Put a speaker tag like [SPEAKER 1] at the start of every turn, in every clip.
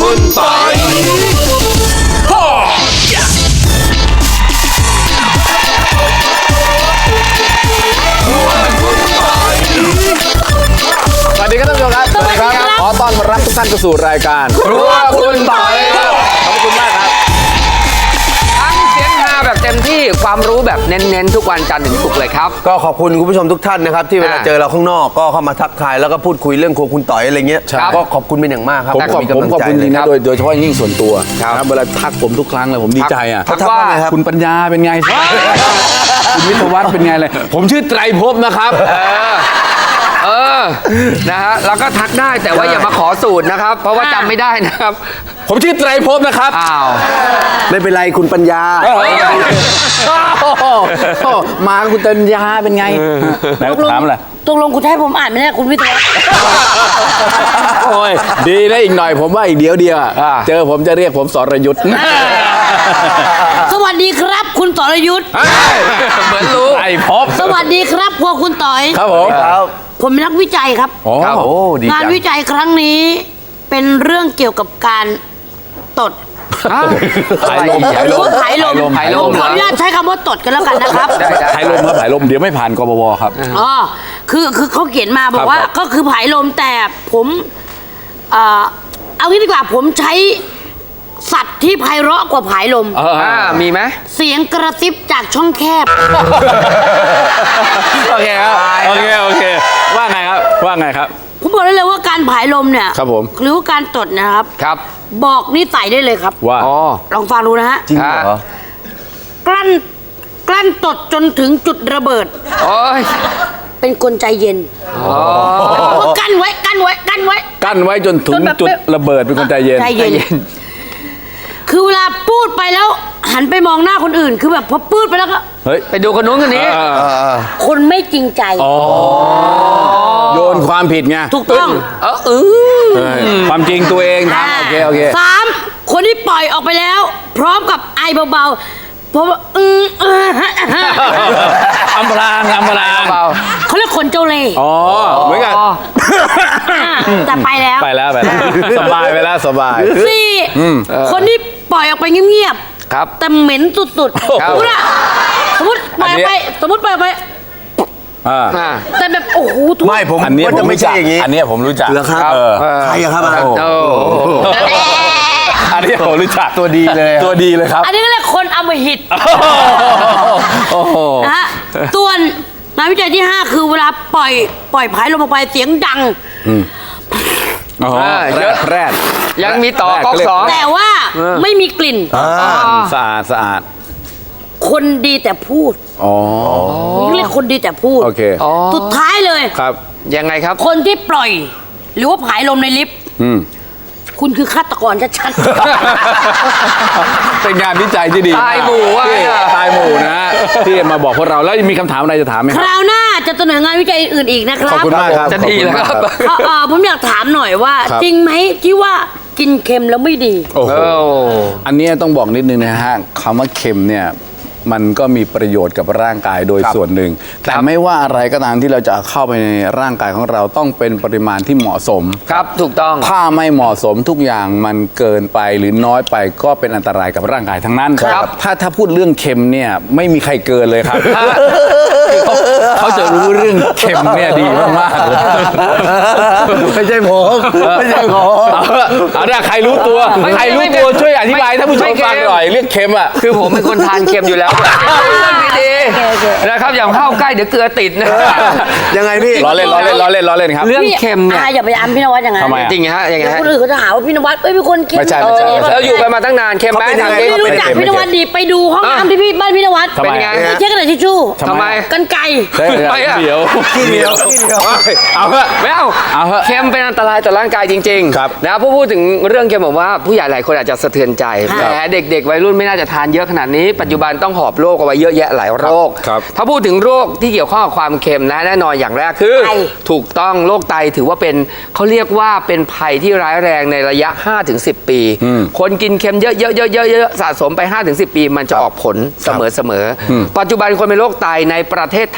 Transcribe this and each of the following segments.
[SPEAKER 1] คุณปอย
[SPEAKER 2] สวัสดีครับท่านผู้ชมครับสวัสดีครับขอต้อนรับทุกท่านเข้าสู่รายการครัวคุณปอยครับขอบคุณมากครับ
[SPEAKER 1] ทั้งเสียงฮาแบบเต็มที่ความรู้แบบเน้นๆทุกวันจันทร์ถึงศุกร์เลยครับ
[SPEAKER 3] ก็ขอบคุณคุณผู้ชมทุกท่านนะครับที่เวลาเจอเราข้างนอกก็เข้ามาทักทายแล้วก็พูดคุยเรื่องครัวคุณต่อยอะไรเงี้ยก็ขอบคุณเป็นอย่างมากครับ
[SPEAKER 2] ผมขอบคุณจริงนะโดยเฉพาะยิ่งส่วนตัวครับเวลาทักผมทุกครั้งเลยผมดีใจอ่ะ
[SPEAKER 1] ทักว่า
[SPEAKER 2] คุณปัญญาเป็นไงคุณวิทยวัฒน์เป็นไงเลยผมชื่อไตรภพนะครับ
[SPEAKER 1] นะฮะแล้วก็ทักได้แต่ว่าอย่ามาขอสูตรนะครับเพราะว่าจำไม่ได้นะครับ
[SPEAKER 2] ผมชื่อไตรภพนะครับ
[SPEAKER 1] อ้าว
[SPEAKER 3] ไม่เป็นไรคุณปัญญา
[SPEAKER 2] มาคุณปัญญาเป็นไงถามอะไร
[SPEAKER 4] ตกลงคุณให้ผมอ่านไม่ได้คุณวิทยา
[SPEAKER 2] โอ้ยดีนะอีกหน่อยผมว่าอีกเดียวเจอผมจะเรียกผมสรยุทธ์
[SPEAKER 4] สวัสดีครับคุณสรยุทธ์
[SPEAKER 1] เหมือนรู้
[SPEAKER 2] ไตรภพ
[SPEAKER 4] สวัสดีครับพวกคุณต่อย
[SPEAKER 2] ครับผม
[SPEAKER 3] ครับ
[SPEAKER 4] ผมเป็นนักวิจัยครับ
[SPEAKER 2] โอ้
[SPEAKER 3] โอ้ดี
[SPEAKER 4] งาน
[SPEAKER 3] จัง
[SPEAKER 4] วิจัยครั้งนี้เป็นเรื่องเกี่ยวกับการตด
[SPEAKER 2] ถ่ายลม
[SPEAKER 4] ถ่ายลม
[SPEAKER 1] ถ่ายลม
[SPEAKER 4] ขออนุญาตใช้คำว่าตดกันแล้วกันนะครับ
[SPEAKER 2] ถ่ายลมครับถ่ายลมเดี๋ยวไม่ผ่านกบวครับ
[SPEAKER 4] อ๋อคือเขาเขียนมาบอกว่า
[SPEAKER 2] ครับ
[SPEAKER 4] ก็คือผายลมแต่ผมเอางี้ดีกว่าผมใช้สัตว์ที่ไพเราะกว่าผายลม
[SPEAKER 1] มีไหม
[SPEAKER 4] เสียงกระซิบจากช่องแคบ
[SPEAKER 2] โอเคครับโอเคว่าไงครับ
[SPEAKER 4] ผมบอกได้เลยว่าการผายลมเนี่ย
[SPEAKER 2] ครับผม
[SPEAKER 4] หรือว่าการตดนะครับ
[SPEAKER 1] ครับ
[SPEAKER 4] บอกนิสัยได้เลยครับ
[SPEAKER 2] ว่า
[SPEAKER 1] อ๋อ
[SPEAKER 4] ลองฟังดูนะฮะ
[SPEAKER 3] จริงเหรอ
[SPEAKER 4] กลั้นตดจนถึงจุดระเบิด
[SPEAKER 1] โอ้ย
[SPEAKER 4] เป็นคนใจเย็นกั้นไว้
[SPEAKER 2] กั้นไว้จนถึงจุดระเบิดเป็นคนใจเย็น
[SPEAKER 4] ใจเย็น คือเวลาพูดไปแล้ว หันไปมองหน้าคนอื่น คือแบบพอพูดไปแล้วก็
[SPEAKER 2] เฮ้ย
[SPEAKER 1] ไปดูคนนู้นคนนี้
[SPEAKER 4] คนไม่จริงใจ
[SPEAKER 2] โยนความผิดไง
[SPEAKER 4] ถูกต้อง
[SPEAKER 2] ความจริงตัวเองทำโอเค
[SPEAKER 4] สามคนที่ปล่อยออกไปแล้ว พร้อมกับไอเบาๆเพราะว่า
[SPEAKER 2] อำพราง
[SPEAKER 4] เขาเรียกคนเจ้าเล่ห์
[SPEAKER 2] อ๋อเหมือนกัน
[SPEAKER 4] แต่ไปแล้ว
[SPEAKER 2] ไปแล้วสบายไปแล้วสบาย
[SPEAKER 4] สี่คนที่ปล่อยออกไปเงียบ
[SPEAKER 1] ครับ
[SPEAKER 4] ๆแต่เหม็นสุดๆ
[SPEAKER 1] ครับ
[SPEAKER 4] สมมติปล่อยออกไปแต่แบบโอ้โหทุก
[SPEAKER 3] ไม่ผม
[SPEAKER 2] อันนี้
[SPEAKER 3] ว่า
[SPEAKER 2] ผม
[SPEAKER 3] จะไม่
[SPEAKER 2] รู้จั
[SPEAKER 3] ใช่
[SPEAKER 2] ก
[SPEAKER 3] อย่างนี้
[SPEAKER 2] อันนี้ผมรู้จัก
[SPEAKER 3] เหรอครับใครอะครับอันนั้น
[SPEAKER 1] โอ้
[SPEAKER 2] อันนี้ผมรู้จัก
[SPEAKER 3] ตัวดีเลย
[SPEAKER 2] ตัวดีเลยครับ
[SPEAKER 4] อันนี้ก็เรียกคนอำมหิต
[SPEAKER 2] โอ้โห
[SPEAKER 4] นะฮะส่วนงานวิจัยที่ 5 คือเวลาปล่อยผายลมออกไปเสียงดัง
[SPEAKER 2] แรด
[SPEAKER 1] ยังมีต่อก๊อกสอง
[SPEAKER 4] แต่ว่าไม่มีกลิ่น
[SPEAKER 2] สะอาด
[SPEAKER 4] คนดีแต่พูด
[SPEAKER 2] อ๋อ
[SPEAKER 4] เรียกคนดีแต่พูด
[SPEAKER 2] โอเค
[SPEAKER 4] สุดท้ายเลย
[SPEAKER 2] ครับ
[SPEAKER 1] ยังไงครับ
[SPEAKER 4] คนที่ปล่อย หรือว่าผายลมในลิฟต์คุณคือฆาตกรชัด
[SPEAKER 2] เป็นงานวิจัยที่ดี
[SPEAKER 1] ตายหมู่ว่ะ
[SPEAKER 2] ที่ตายหมู่นะฮะที่มาบอกพวกเราแล้วมีคำถามอะไรจะถามไหม
[SPEAKER 4] ๆ
[SPEAKER 2] ค
[SPEAKER 4] ครับ ราวหน้าจะเสนองานวิจัยอื่นอีกนะค
[SPEAKER 2] ขอบ
[SPEAKER 4] รับ
[SPEAKER 2] คุณมากครับ
[SPEAKER 1] จะดีแล้วครับ
[SPEAKER 4] ผมอยากถามหน่อยว่า
[SPEAKER 2] ครับ
[SPEAKER 4] จริงไหมที่ว่ากินเค็มแล้วไม่ดี
[SPEAKER 2] โอ้โหอันนี้ต้องบอกนิดนึงนะฮะคำว่าเค็มเนี่ยมันก็มีประโยชน์กับร่างกายโดยส่วนหนึ่งแต่ไม่ว่าอะไรก็ตามที่เราจะเข้าไปในร่างกายของเราต้องเป็นปริมาณที่เหมาะสม
[SPEAKER 1] ครับถูกต้อง
[SPEAKER 2] ถ้าไม่เหมาะสมทุกอย่างมันเกินไปหรือน้อยไปก็เป็นอันตรายกับร่างกายทั้งนั้น
[SPEAKER 1] ครับ
[SPEAKER 2] ถ้าพูดเรื่องเค็มเนี่ยไม่มีใครเกินเลยครับ เขาจะรู้เรื่องเค็มเนี่ยดีมากๆเลย
[SPEAKER 3] ไม่ใช่ผมไม่ใช่ผม
[SPEAKER 2] เอาเนี่ยใครรู้ตัวช่วยอธิบายท่านผู้ชมฟังหน่อยเรื่องเค็มอ่ะ
[SPEAKER 1] คือผมเป็นคนทานเค็มอยู่แล้วดีๆนะครับอย่างเข้าใกล้เดี๋ยวเกลือติดนะ
[SPEAKER 3] ยังไงพี่
[SPEAKER 2] ล้อเล่นครับ
[SPEAKER 1] เรื่องเค็มเนี่ย
[SPEAKER 4] อย่าไปอ้ำพี่นวัดอย่างนั้น
[SPEAKER 2] ทำไมอะ
[SPEAKER 1] จริงฮะยังไง
[SPEAKER 4] เดี๋ยว
[SPEAKER 1] ฮะ
[SPEAKER 4] คนอื่นเขาจะหาว่าพี่นวัดเป็นคนเค็ม
[SPEAKER 2] ไม่ใช่
[SPEAKER 1] เราอยู่กันมาตั้งนานเค็มไหม
[SPEAKER 3] เขาเป็นยังไง
[SPEAKER 4] ไม่รู้จักพี่นวัดดีไปดูห้องน้ำที่พี่บ้านพี่นวัด
[SPEAKER 2] ทำไม
[SPEAKER 1] เป็นไง
[SPEAKER 4] ไปเช็คกระดาษทิชชู่
[SPEAKER 1] ทำไม
[SPEAKER 4] กันไกร
[SPEAKER 1] ไปอะ
[SPEAKER 2] เดี๋ยว
[SPEAKER 3] ขี้เหนียว
[SPEAKER 2] เอาเถอะ
[SPEAKER 1] ไม่เอา
[SPEAKER 2] เอาเถอะ
[SPEAKER 1] เค็มเป็นอันตรายต่อร่างกายจริง
[SPEAKER 2] ครับ
[SPEAKER 1] นะพูดถึงเรื่องเค็มผมว่าผู้ใหญ่หลายคนอาจจะสะเทือนใจแต่เด็กๆวัยรุ่นไม่น่าจะทานเยอะขนาดนี้ปัจจุบันต้องหอบโรคเอาไว้เยอะแยะหลายโรค
[SPEAKER 2] ครับ
[SPEAKER 1] ถ้าพูดถึงโรคที่เกี่ยวข้องกับความเค็มนะแน่นอนอย่างแรกคือ ถูกต้องโรคไตถือว่าเป็นเขาเรียกว่าเป็นภัยที่ร้ายแรงในระยะ 5-10 ปี คนกินเค็มเยอะๆสะสมไป 5-10 ปี มันจะออกผลเสมอๆปัจจุบันคนเป็นโรคไตในประเทศไทยกว่า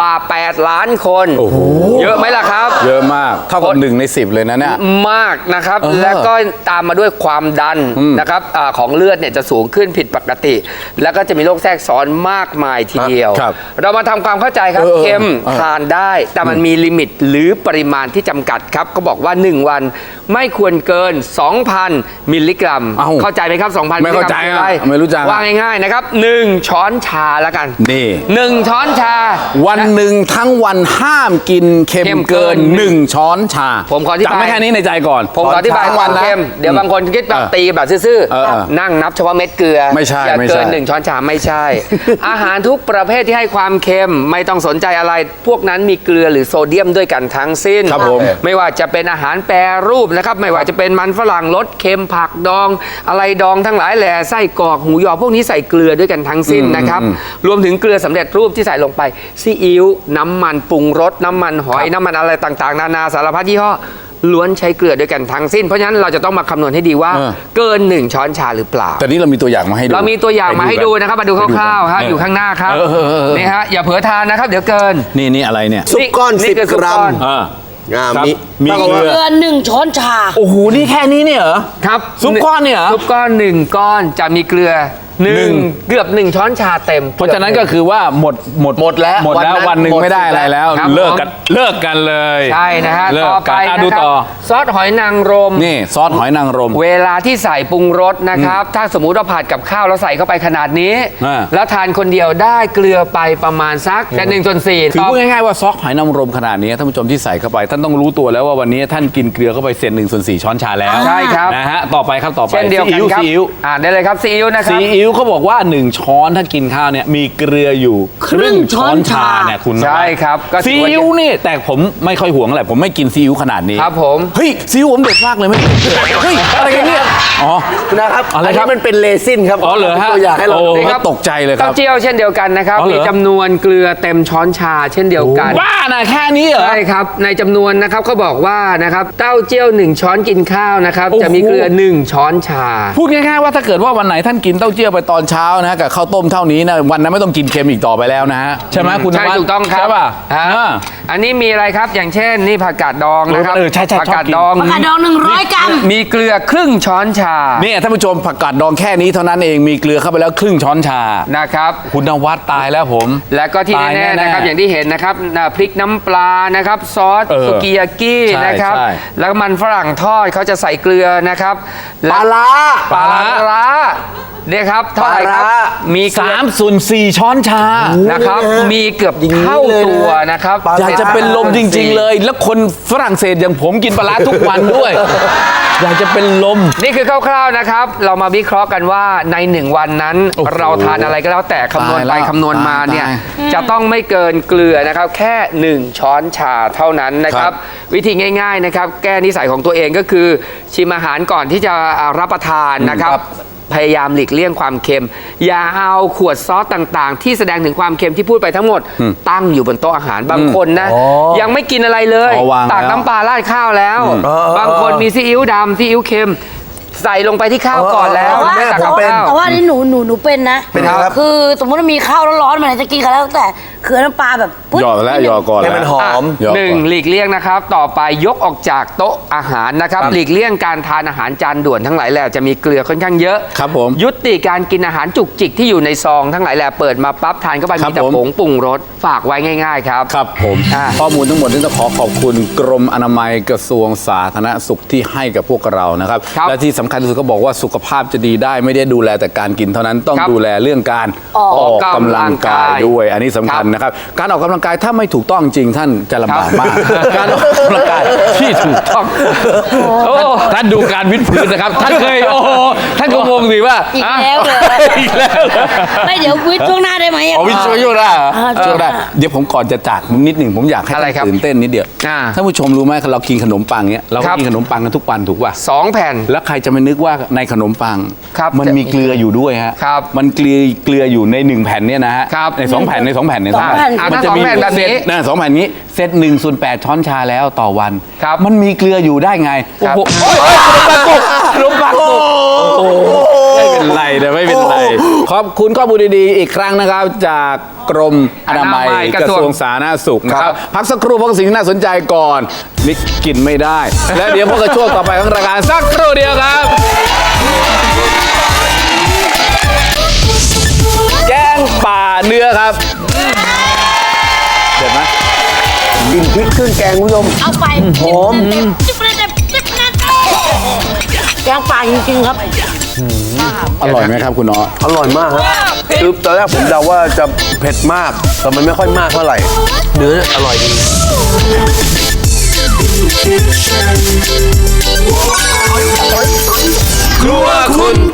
[SPEAKER 1] ว่า 8 ล้านคน
[SPEAKER 2] โอ้โห
[SPEAKER 1] เยอะไหมล่ะครับ
[SPEAKER 2] เยอะมากเท่ากับ1 ใน 10เลยนะเนี่ย
[SPEAKER 1] มากนะครับ
[SPEAKER 2] เออ
[SPEAKER 1] แล้วก็ตามมาด้วยความดันนะครับของเลือดเนี่ยจะสูงขึ้นผิดปกติ แล้วก็จะมีโรคแทรกซ้อนมากมายทีเดียว
[SPEAKER 2] ครับ
[SPEAKER 1] เรามาทำความเข้าใจครับ เค็มทานได้ แต่มันมีลิมิตหรือปริมาณที่จำกัดครับก็บอกว่า 1 วันไม่ควรเกิน 2,000 มิลลิกรัม
[SPEAKER 2] เอ้า
[SPEAKER 1] เข้าใจไหมครับ 2,000
[SPEAKER 2] ไม่เข้าใจ
[SPEAKER 1] มิลลิกรัมคืออะไร
[SPEAKER 2] ไม่รู้จัก
[SPEAKER 1] ว่าง่ายๆนะครับ1 ช้อนชาแล้วกัน
[SPEAKER 2] นี่
[SPEAKER 1] 1 ช้อนชา
[SPEAKER 2] วันหนึ่งทั้งวันห้ามกินเค็ม
[SPEAKER 1] เค็มเกิ
[SPEAKER 2] เกิ
[SPEAKER 1] น
[SPEAKER 2] น 1 ช้อนชา
[SPEAKER 1] ผมขออธิบาย
[SPEAKER 2] จำไม่แค่นี้ในใจก่อน
[SPEAKER 1] ผมขออธิบาย
[SPEAKER 2] ทั้ง
[SPEAKER 1] ค
[SPEAKER 2] วั
[SPEAKER 1] วาน ม
[SPEAKER 2] นะ
[SPEAKER 1] เค็มเดี๋ยวบางคนคิดแบบตีแบบซื่อ
[SPEAKER 2] เออ
[SPEAKER 1] นั่งนับเฉพาะเม็ดเกลือ
[SPEAKER 2] ไม่ใช่
[SPEAKER 1] อย่า
[SPEAKER 2] ไม่
[SPEAKER 1] เกิ
[SPEAKER 2] ใช่
[SPEAKER 1] น1 ช้อนชาไม่ใช่ อาหารทุกประเภทที่ให้ความเค็มไม่ต้องสนใจอะไร พวกนั้นมีเกลือหรือโซเดียมด้วยกันทั้งสิ้น
[SPEAKER 2] ครับผม
[SPEAKER 1] ไม่ว่าจะเป็นอาหารแปรรูปนะครับไม่ว่าจะเป็นมันฝรั่งรสเค็มผักดอง อะไรดองทั้งหลายแหล่ไส้กรอกหมูยอพวกนี้ใส่เกลือด้วยกันทั้งสิ้นนะครับรวมถึงเกลือสำเร็จรูปที่ใส่ลงไปซีอิ๊วน้ำมันปรุงรสน้ำมันหอยน้ำมันอะไรต่างๆนานาสารพัดยี่ห้อล้วนใช้เกลือด้วยกันทั้งสิ้นเพราะฉะนั้นเราจะต้องมาคำนวณให้ดีว่า เกิน 1 ช้อนชาหรือเปล่า
[SPEAKER 2] แต่นี้เรามีตัวอย่างมาให้ดู
[SPEAKER 1] เรามีตัวอย่างมาให้ดูนะครับมาดูคร่าวๆครับ
[SPEAKER 2] เ
[SPEAKER 1] อยู่ข้างหน้าครับ
[SPEAKER 2] เออ
[SPEAKER 1] นี่ฮะอย่าเผลอทานนะครับ เดี๋ยวเกิน
[SPEAKER 2] นี่อะไรเนี่ย
[SPEAKER 3] ซุปก้อน
[SPEAKER 1] นี่คือ
[SPEAKER 3] 10
[SPEAKER 1] ซุป
[SPEAKER 3] กรัม
[SPEAKER 1] ก้อน
[SPEAKER 2] อ่า ครับ
[SPEAKER 3] มี
[SPEAKER 2] มี
[SPEAKER 3] เท่ากับ
[SPEAKER 2] เกลื
[SPEAKER 3] ว่า
[SPEAKER 2] อ
[SPEAKER 4] เกิน1 ช้อนชา
[SPEAKER 2] โอ้โหนี่แค่นี้เนี่ยเหรอ
[SPEAKER 1] ครับ
[SPEAKER 2] ซุปก้อนเนี่ยเหรอ
[SPEAKER 1] ซุปก้อน1 ก้อนจะมีเกลือเกือบ 1 ช้อนชาเต็ม
[SPEAKER 2] เพราะฉะนั้นก็คือว่าหมดแล้ว
[SPEAKER 3] หมดแล้ว
[SPEAKER 2] วันหนึ่ง
[SPEAKER 3] หมด
[SPEAKER 2] ไม่ได้อะไรแล้ว
[SPEAKER 1] ครับ
[SPEAKER 2] เลิกกันเลย
[SPEAKER 1] ใช่นะฮะ
[SPEAKER 2] เลิก
[SPEAKER 1] ต่อไป
[SPEAKER 2] กัน
[SPEAKER 1] นะ
[SPEAKER 2] ดู
[SPEAKER 1] ครั
[SPEAKER 2] ต่อ
[SPEAKER 1] ซอสหอยนางรม
[SPEAKER 2] นี่ซอสหอยนางรม
[SPEAKER 1] เวลาที่ใส่ปรุงรสนะครับ ถ้าสมมุติเราผัดกับข้าวแล้วใส่เข้าไปขนาดนี้
[SPEAKER 2] อ่า
[SPEAKER 1] แล้วทานคนเดียวได้เกลือไปประมาณสักแค่1/4
[SPEAKER 2] คือพูดง่ายๆว่าซอสหอยนางรมขนาดนี้ท่านผู้ชมที่ใส่เข้าไป ท่านต้องรู้ตัวแล้วว่าวันนี้ท่านกินเกลือเข้าไปเศษ1/4 ช้อนชาแล้ว
[SPEAKER 1] ใช่ครับ
[SPEAKER 2] นะฮะต่อไปครับต่อไป
[SPEAKER 1] เช่นเดียวกันครับ
[SPEAKER 2] ซีอิ๊ว
[SPEAKER 1] อ่านได้เลยครับซีอิ๊วนะค
[SPEAKER 2] ซี
[SPEAKER 1] รับ
[SPEAKER 2] อิ๊วเขาบอกว่า 1 ช้อนถ้ากินข้าวเนี่ยมีเกลืออยู่ครึ่งช้อนชาเนี่ยคุณ
[SPEAKER 1] ใช่ครับก็ถื
[SPEAKER 2] ซี
[SPEAKER 1] อว่า
[SPEAKER 2] อิ๊วนี่แต่ผมไม่ค่อยห่วงอะไรผมไม่กินซีอิ๊วขนาดนี้
[SPEAKER 1] ครับผม
[SPEAKER 2] เฮ้ยซีอิ๊วผมเด็ดมากเลยไหมเฮ้ยอะไรกันเนี่ยอ๋อ
[SPEAKER 3] นะครับ
[SPEAKER 2] อะไรครับ
[SPEAKER 3] นนี้มันเป็นเลซินครับ
[SPEAKER 2] อ๋อเหรอฮะ
[SPEAKER 3] ตัวอย่างให้เรา
[SPEAKER 2] โอ้
[SPEAKER 3] ดู
[SPEAKER 1] นี่ครับ
[SPEAKER 2] ตกใจเลยค
[SPEAKER 1] เต้า
[SPEAKER 2] รับ
[SPEAKER 1] เจี้ยวเช่นเดียวกันนะครับ
[SPEAKER 2] อ๋อเหรอ
[SPEAKER 1] มีจำนวนเกลือเต็มช้อนชาเช่นเดียวกัน
[SPEAKER 2] บ้านะแค่นี้เหรอ
[SPEAKER 1] ใช่ครับในจำนวนนะครับเขาบอกว่านะครับเต้าเจี้ยว1 ช้อนกินข้าวนะครับ
[SPEAKER 2] โอ้โห
[SPEAKER 1] จะมีเกลือ1 ช้อนชา
[SPEAKER 2] พูดง่ายๆว่าถ้าเกิดว่าวันไหนท่านกินเต้าเจี้ยวไปตอนเช้านะกับข้าวต้มเท่านี้นะวันนั้นไม่ต้องกินเค็มอีกต่อไปแล้วนะฮะใช่ไหมคุณน
[SPEAKER 1] ใช่
[SPEAKER 2] วัด
[SPEAKER 1] ถูกต้องครับ
[SPEAKER 2] ใช่ป่ะ
[SPEAKER 1] ฮะ
[SPEAKER 2] อ่า
[SPEAKER 1] อันนี้มีอะไรครับอย่างเช่นนี่ผักกาดดองนะครับ
[SPEAKER 2] เออใช่ๆชอบ
[SPEAKER 1] ผักกาด
[SPEAKER 2] กิน
[SPEAKER 1] ดอง
[SPEAKER 4] ผักกาดดอง100 กรัม
[SPEAKER 1] มีเกลือครึ่งช้อนชา
[SPEAKER 2] เนี่ยท่านผู้ชมผักกาดดองแค่นี้เท่านั้นเองมีเกลือเข้าไปแล้วครึ่งช้อนชา
[SPEAKER 1] นะครับ
[SPEAKER 2] คุณนวัดตายแล้วผม
[SPEAKER 1] แล้วก็ที่
[SPEAKER 2] ตาย
[SPEAKER 1] แน่ๆ
[SPEAKER 2] แน่ๆ
[SPEAKER 1] นะครับอย่างที่เห็นนะครับพริกน้ำปลานะครับซอส
[SPEAKER 2] เออ
[SPEAKER 1] สุกิยากิ
[SPEAKER 2] ใช่
[SPEAKER 1] นะครับ
[SPEAKER 2] ใช่
[SPEAKER 1] แล้วก็มันฝรั่งทอดเขาจะใส่เกลือนะครับ
[SPEAKER 3] ปลาร้า
[SPEAKER 1] ปลาร้าเนี่ยครับเท่าไหร่ครับ
[SPEAKER 3] ปลาร้า
[SPEAKER 1] มีเกลือ
[SPEAKER 2] 3/4 ช้อนชา
[SPEAKER 1] นะครับมีเกือบเท่าตัวนะครับ
[SPEAKER 3] ปลาร้
[SPEAKER 2] อยากจะเป็นลมจริง ๆ เลย แล้วคนฝรั่งเศสอย่างผมกินปลาร้าทุกวันด้วย อยากจะเป็นลม
[SPEAKER 1] นี่คือคร่าวๆนะครับ เรามาวิเคราะห์กันว่าใน1 วันนั้น
[SPEAKER 2] โอ้โห
[SPEAKER 1] เราทานอะไรก็แล้วแต่คำนวณ
[SPEAKER 2] ตาย
[SPEAKER 1] ไป
[SPEAKER 2] แล้ว
[SPEAKER 1] คำนวณมาเนี่ย
[SPEAKER 2] ตาย
[SPEAKER 1] จะต้องไม่เกินเกลือนะครับแค่ 1 ช้อนชาเท่านั้นนะค
[SPEAKER 2] ครั
[SPEAKER 1] รับ
[SPEAKER 2] บ
[SPEAKER 1] วิธีง่ายๆนะครับแก้นิสัยของตัวเองก็คือชิมอาหารก่อนที่จะรับประทานนะครับ พยายามหลีกเลี่ยงความเค็ม อย่าเอาขวดซอสต่างๆ ที่แสดงถึงความเค็มที่พูดไปทั้งหมด ตั้งอยู่บนโต๊ะอาหารบางคนนะยังไม่กินอะไรเลย
[SPEAKER 2] อ๋อวาง
[SPEAKER 1] ตัก
[SPEAKER 2] แล้ว
[SPEAKER 1] น้ำปลาราดข้าวแล้ว บางคนมีซีอิ๊วดำซีอิ๊วเค็ม ใส่ลงไปที่ข้าวก่อนแล้ว
[SPEAKER 3] แต่ว่า
[SPEAKER 1] ไม่ตักกับ
[SPEAKER 3] ผมเป็น
[SPEAKER 1] ข้าว
[SPEAKER 4] แต่ว่านี่หนูเป็นนะ
[SPEAKER 3] เป็นครับ
[SPEAKER 4] คือสมมติว่ามีข้าวร้อนๆมันจะกินกันแล้วแต่คือน้ำปลาแบบปึ๊ด
[SPEAKER 2] หยอดแล้วหยอดก่อน
[SPEAKER 3] ให้
[SPEAKER 2] แล้ว
[SPEAKER 3] มันหอม
[SPEAKER 2] หยอดก่อน
[SPEAKER 1] หนึ่งหลีกเลี่ยงนะครับ ต่อไปยกออกจากโต๊ะอาหารนะครับ หลีกเลี่ยงการทานอาหารจานด่วนทั้งหลายแหล่จะมีเกลือค่อนข้างเยอะ
[SPEAKER 2] ครับผม
[SPEAKER 1] ยุติการกินอาหารจุกจิกที่อยู่ในซองทั้งหลายแหล่เปิดมาปั๊บทานเข้าไป
[SPEAKER 2] ครับ
[SPEAKER 1] มีแต่
[SPEAKER 2] ผม
[SPEAKER 1] ผงปรุงรสฝากไว้ง่าย ๆ ครับ
[SPEAKER 2] ครับผม
[SPEAKER 1] อ่า
[SPEAKER 2] ข้อมูลทั้งหมดนี้ต้องขอบคุณกรมอนามัยกระทรวงสาธารณสุขที่ให้กับพวกเรานะครับ
[SPEAKER 1] ครับ
[SPEAKER 2] และที่สำคัญที่สุดก็บอกว่าสุขภาพจะดีได้ไม่ได้ดูแลแต่การกินเท่านั้นต้อง
[SPEAKER 1] ครับ
[SPEAKER 2] ดูแลเรื่องการ
[SPEAKER 1] ออกกำลังกาย
[SPEAKER 2] ด้วย อันนี้สำคัญนะครับ การออกกำลังกายถ้าไม่ถูกต้องจริงท่านจะลำบากมาก การออกกำลังกายที่ถูกต้องโอ้ท่านดูการวิดพื้นนะครับ ท่านเคยโอ้โหท่านก็งงสิว่า
[SPEAKER 4] อีกแล้วเลย
[SPEAKER 2] อีกแล้วเหรอ
[SPEAKER 4] ไม่เดี๋ยววิทย์ช่วงหน้าได้ไหมะ
[SPEAKER 2] อ๋อวิช่วยได้เหรอ
[SPEAKER 4] อ่า
[SPEAKER 2] ช่วยได้เดี๋ยวผมก่อนจะจากนิดหนึ่งผมอยากให้
[SPEAKER 1] อะไรครับ
[SPEAKER 2] ท่านตื่นเต้นนิดเดียว
[SPEAKER 1] อ่า
[SPEAKER 2] ท่านผู้ชมรู้ไหมเรากินขนมปังเนี้ยเรา
[SPEAKER 1] ค
[SPEAKER 2] ก็
[SPEAKER 1] รับ
[SPEAKER 2] กินขนมปังกันทุกวันถูกป่ะ
[SPEAKER 1] 2 แผ่น
[SPEAKER 2] แล้วใครจะไม่นึกว่าในขนมปัง
[SPEAKER 1] ครับ
[SPEAKER 2] มันมีเกลืออยู่ด้วยฮะ
[SPEAKER 1] ครับ
[SPEAKER 2] มันเกลืออยู่ใน1 แผ่นเนี่ยนะฮะ
[SPEAKER 1] ครับ
[SPEAKER 2] ใน2 แผ่นใน2 แผ่นใน
[SPEAKER 4] สองแผ่น
[SPEAKER 2] มั
[SPEAKER 1] ถ้า
[SPEAKER 2] จะ
[SPEAKER 1] สอง
[SPEAKER 2] มี
[SPEAKER 1] แผ่นแบบนี้
[SPEAKER 2] นะ2 แผ่นนี้เซต1/8 ช้อนชาแล้วต่อวัน
[SPEAKER 1] ครับ
[SPEAKER 2] มันมีเกลืออยู่ได้ไง
[SPEAKER 1] ครับ
[SPEAKER 2] โอ้โหขนมปังกุกขนมปังกุกโอ้โหไม่เป็นเป็นไรนะไม่เป็นไร ขอบคุณข้อมูลดีๆอีกครั้งนะครับ จากกรมอนามัย
[SPEAKER 1] อนามัย
[SPEAKER 2] กระทรวงสาธารณสุขนะครับ พักสักครู่เพราะสิ่งที่น่าสนใจก่อนนี่กินไม่ได้ และเดี๋ยวพบกับช่วงต่อไปของรายการสักครู่เดียวครับ แกงป่าเนื้อครับเด็ดไหม
[SPEAKER 3] กินพริกเครื่องแกงคุณผู้ชม
[SPEAKER 4] เอาไป
[SPEAKER 3] หอม
[SPEAKER 4] แกงป่าจริงๆครับ
[SPEAKER 2] อร่อยไหมครับคุณน้อ
[SPEAKER 3] อร่อยมากครับคือตอนแรกผมเดาว่าจะเผ็ดมาก แต่มันไม่ค่อยมากเท่าไหร่ เนื้ออร่อยดี
[SPEAKER 1] ครัวคุณ